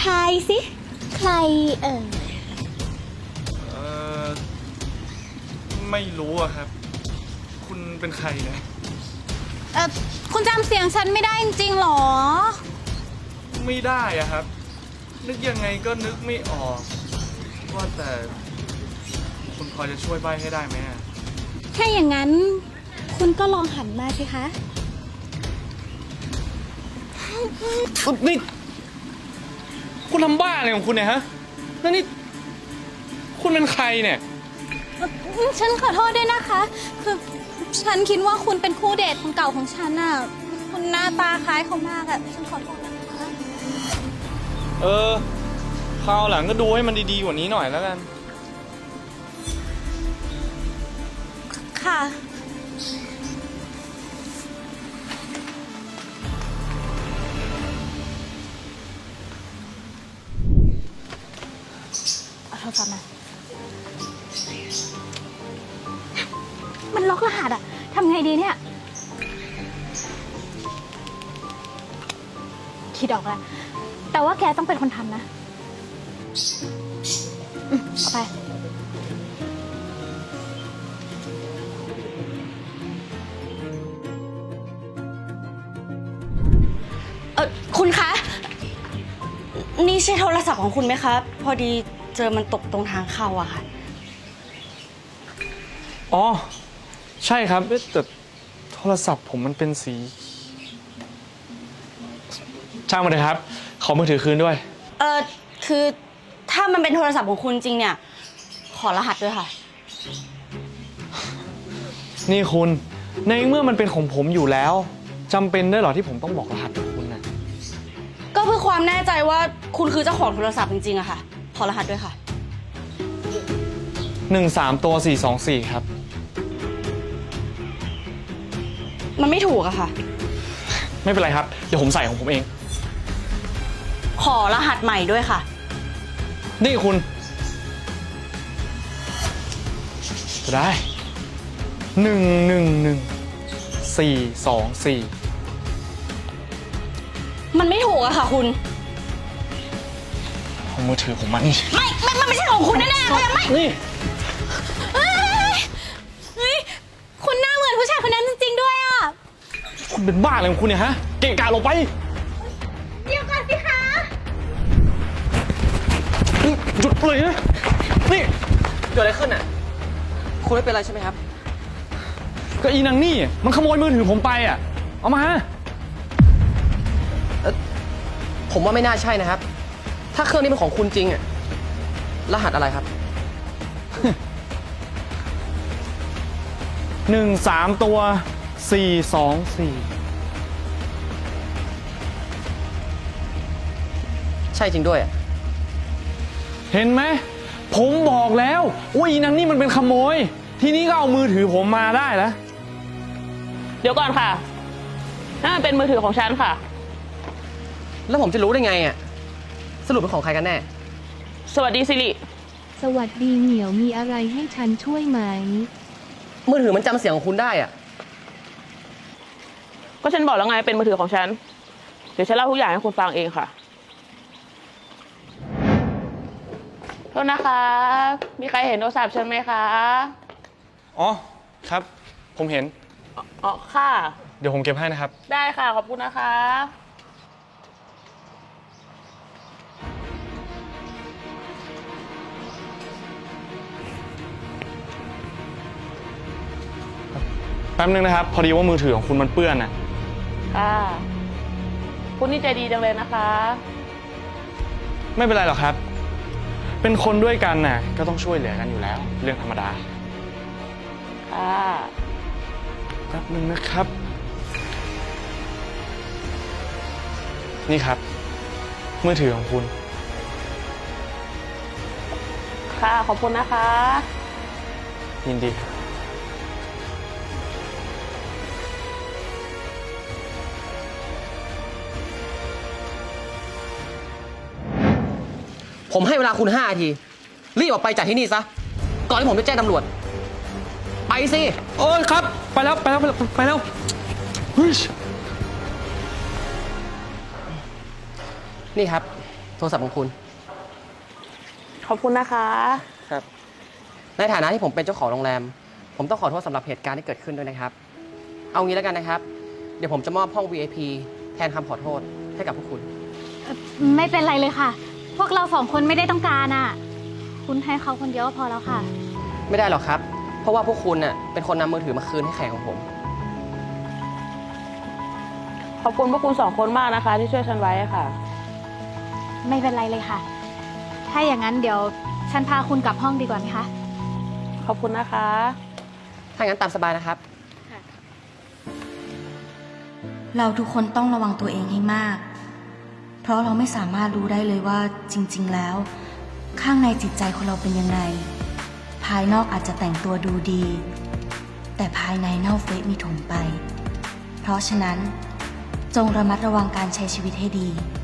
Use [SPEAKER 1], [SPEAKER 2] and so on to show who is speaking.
[SPEAKER 1] ทายสิใครเอ่ย
[SPEAKER 2] ไม่รู้อะครับคุณเป็นใครนะ
[SPEAKER 1] คุณจำเสียงฉันไม่ได้จริงๆหรอ
[SPEAKER 2] ไม่ได้อะครับนึกยังไงก็นึกไม่ออกว่าแต่คุณพอจะช่วยใบ้ให้ได้ไหม
[SPEAKER 1] ถ้าอย่างนั้นคุณก็ลองหันมาสิคะ
[SPEAKER 2] นี่คุณทำบ้าอะไรของคุณเนี่ยฮะแล้วนี่คุณเป็นใครเนี่ย
[SPEAKER 1] ฉันขอโทษด้วยนะคะคือฉันคิดว่าคุณเป็นคู่เดทคนเก่าของฉันน่ะคุณหน้าตาคล้ายเขามากอะฉันขอโทษนะคะ
[SPEAKER 2] คราวหลังก็ดูให้มันดีๆกว่านี้หน่อยแล้วกัน
[SPEAKER 1] ค่ะเอาโทรศัพท์มามันล็อกรหัสอะทำไงดีเนี่ยคิดออกแล้วแต่ว่าแกต้องเป็นคนทำนะเอาไป
[SPEAKER 3] คุณคะนี่ใช่โทรศัพท์ของคุณไหมคะพอดีเจอมันตกตรงทางเข้าอะค่ะ
[SPEAKER 2] อ๋อใช่ครับแต่โทรศัพท์ผมมันเป็นสีช่างมันเลยครับขอมือถือคืนด้วย
[SPEAKER 3] คือถ้ามันเป็นโทรศัพท์ของคุณจริงเนี่ยขอรหัสด้วยค่ะ
[SPEAKER 2] นี่คุณในเมื่อมันเป็นของผมอยู่แล้วจำเป็นด้วยเหรอที่ผมต้องบอกรหัสของคุณนะ
[SPEAKER 3] ก็เพื่อความแน่ใจว่าคุณคือเจ้าของโทรศัพท์จริงๆอะค่ะขอรหัสด้วยค่ะ
[SPEAKER 2] 13ตัว424ครับ
[SPEAKER 3] มันไม่ถูกอะค่ะ
[SPEAKER 2] ไม่เป็นไรครับเดี๋ยวผมใส่ของผมเอง
[SPEAKER 3] ขอรหัสใหม่ด้วยค่ะ
[SPEAKER 2] นี่คุณได้111424
[SPEAKER 3] มันไม่ถูกอะค่ะคุณ
[SPEAKER 2] เอามือถือผมมานี่
[SPEAKER 3] มันไม่ใช่ของคุณแน่ๆเลยไม่
[SPEAKER 2] นี่
[SPEAKER 1] เฮ้ยคุณหน้าเหมือนผู้ชายคนนั้นจริงๆด้วยอ่ะ
[SPEAKER 2] คุณเป็นบ้าอะไรของคุณเนี่ยฮะเกะกะลงไป
[SPEAKER 1] เดี๋ยวก่อนสิคะ
[SPEAKER 2] หยุดเลยนะนี่
[SPEAKER 4] เกิดอะไรขึ้นอ่ะคุณไม่เป็นไรใช่ไหมครับ
[SPEAKER 2] ก็อีนางนี่มันขโมยมือถือผมไปอ่ะเอามา
[SPEAKER 4] ผมว่าไม่น่าใช่นะครับถ้าเครื่องนี้เป็นของคุณจริงอ่ะรหัสอะไรครับ
[SPEAKER 2] 13ตัว424
[SPEAKER 4] ใช่จริงด้วยอ่ะ
[SPEAKER 2] เห็นไหมผมบอกแล้วว่าอีนางนี่มันเป็นขโมยทีนี้ก็เอามือถือผมมาได้แล้ว
[SPEAKER 5] เดี๋ยวก่อนค่ะนั่นเป็นมือถือของฉันค่ะ
[SPEAKER 4] แล้วผมจะรู้ได้ไงอ่ะสรุปเป็นของใครกันแน่
[SPEAKER 5] สวัสดีสิริ
[SPEAKER 6] สวัสดีเหมียวมีอะไรให้ฉันช่วยไหม
[SPEAKER 4] มือถือมันจำเสียงของคุณได้อ่ะ
[SPEAKER 5] ก็ฉันบอกแล้วไงเป็นมือถือของฉันเดี๋ยวฉันเล่าทุกอย่างให้คุณฟังเองค่ะโทษนะคะมีใครเห็นโทรศัพท์ฉันไหมคะ
[SPEAKER 2] อ๋อครับผมเห็น
[SPEAKER 5] อ๋อค่ะ
[SPEAKER 2] เดี๋ยวผมเก็บให้นะครับ
[SPEAKER 5] ได้ค่ะขอบคุณนะคะ
[SPEAKER 2] แป๊บนึงนะครับพอดีว่ามือถือของคุณมันเปื้อนน่ะ
[SPEAKER 5] ค่ะคุณนี่ใจดีจังเลยนะคะ
[SPEAKER 2] ไม่เป็นไรหรอกครับเป็นคนด้วยกันน่ะก็ต้องช่วยเหลือกันอยู่แล้วเรื่องธรรมดา
[SPEAKER 5] ค่ะ
[SPEAKER 2] แป๊บนึงนะครับนี่ครับมือถือของคุณ
[SPEAKER 5] ค่ะขอบคุณนะคะ
[SPEAKER 2] ยินดีครับ
[SPEAKER 4] ผมให้เวลาคุณ5 นาทีรีบออกไปจากที่นี่ซะก่อนที่ผมจะแจ้งตำรวจไปสิ
[SPEAKER 2] โอ้ยครับไปแล้วเฮ้ย
[SPEAKER 4] นี่ครับโทรศัพท์ของคุณ
[SPEAKER 5] ขอบคุณนะคะ
[SPEAKER 4] ครับ ในฐานะที่ผมเป็นเจ้าของโรงแรม ผมต้องขอโทษสำหรับเหตุการณ์ที่เกิดขึ้นด้วยนะครับ เอางี้แล้วกันนะครับ เดี๋ยวผมจะมอบห้อง VIP แทนคำขอโทษให้กับพวกคุณ
[SPEAKER 1] ไม่เป็นไรเลยค่ะ พวกเราสองคนไม่ได้ต้องการอ่ะ คุณให้เขาคนเดียวก็พอแล้วค่ะ
[SPEAKER 4] ไม่ได้หรอกครับ เพราะว่าพวกคุณเน่ะเป็นคนนำมือถือมาคืนให้แขกของผม
[SPEAKER 5] ขอบคุณพวกคุณสองคนมากนะคะ ที่ช่วยฉันไว้ค่ะ
[SPEAKER 1] ไม่เป็นไรเลยค่ะ ถ้าอย่างนั้นเดี๋ยวฉันพาคุณกลับห้องดีกว่าไหมคะ
[SPEAKER 5] ขอบคุณนะคะ
[SPEAKER 4] ถ้างั้นตามสบายนะครับ
[SPEAKER 3] เราทุกคนต้องระวังตัวเองให้มาก เพราะเราไม่สามารถรู้ได้เลยว่าจริง ๆ แล้ว ข้างในจิตใจของเราเป็นยังไง ภายนอกอาจจะแต่งตัวดูดี แต่ภายในเน่าเฟะมีถมไป เพราะฉะนั้นจงระมัดระวังการใช้ชีวิตให้ดี